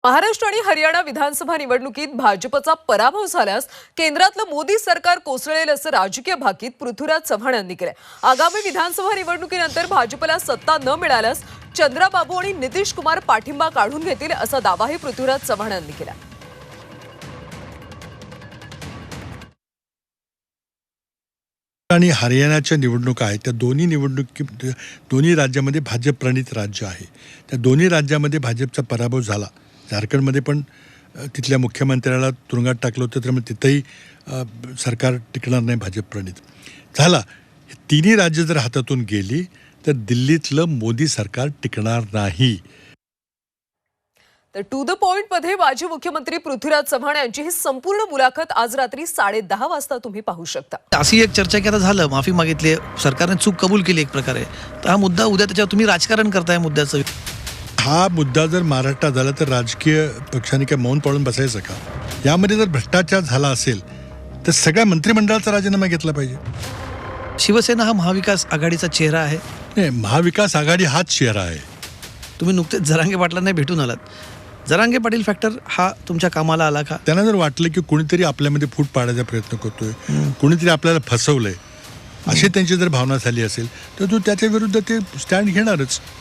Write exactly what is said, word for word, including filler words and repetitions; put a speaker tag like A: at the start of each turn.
A: महाराष्ट्र आणि हरियाणा विधानसभा निवडणुकीत भाजपचा पराभव झाल्यास केंद्रातलं मोदी सरकार कोसळेल असं राजकीय भाकीत पृथ्वीराज चव्हाण यांनी केलंय। आगामी विधानसभा निवडणुकीनंतर भाजपला सत्ता न मिळाल्यास चंद्राबाबू आणि नितीश कुमार पाठिंबा काढून घेतील असा दावाही पृथ्वीराज चव्हाण यांनी केला।
B: आणि हरियाणाच्या निवडणुका आहेत, त्या दोन्ही निवडणुकी दोन्ही राज्यामध्ये भाजप प्रणित राज्य आहे। त्या दोन्ही राज्यामध्ये भाजपचा पराभव झाला। झारखंडमध्ये पण तिथल्या मुख्यमंत्र्याला तुरुंगात टाकलं होतं, त्यामुळे तिथेही सरकार टिकणार नाही भाजप प्रणित झाला। तिन्ही राज्य जर हातातून गेली तर दिल्लीतलं मोदी सरकार टिकणार नाही।
A: तर टू द पॉइंट मध्ये माजी मुख्यमंत्री पृथ्वीराज चव्हाण यांची ही संपूर्ण मुलाखत आज रात्री साडे दहा वाजता तुम्ही पाहू शकता।
C: अशी एक चर्चा की आता झालं, माफी मागितली, सरकारने चूक कबूल केली एक प्रकारे, तर हा मुद्दा उद्या त्याच्यावर तुम्ही राजकारण करताय मुद्द्याचं।
B: हा मुद्दा जर महाराष्ट्रात झाला तर राजकीय पक्षांनी काय मौन पाळून बसायचं का? यामध्ये जर भ्रष्टाचार झाला असेल तर सगळ्या मंत्रिमंडळाचा राजीनामा घेतला पाहिजे।
C: शिवसेना हा महाविकास आघाडीचा चेहरा आहे।
B: नाही, महाविकास आघाडी हाच चेहरा आहे।
C: तुम्ही नुकतेच जरांगे पाटलांना भेटून आलात, जरांगे पाटील फॅक्टर हा तुमच्या कामाला आला का?
B: त्यांना जर वाटलं की कोणीतरी आपल्यामध्ये फूट पाडायचा प्रयत्न करतोय, कोणीतरी आपल्याला फसवलंय, अशी त्यांची जर भावना झाली असेल तर तो त्याच्या विरुद्ध ते स्टँड घेणारच।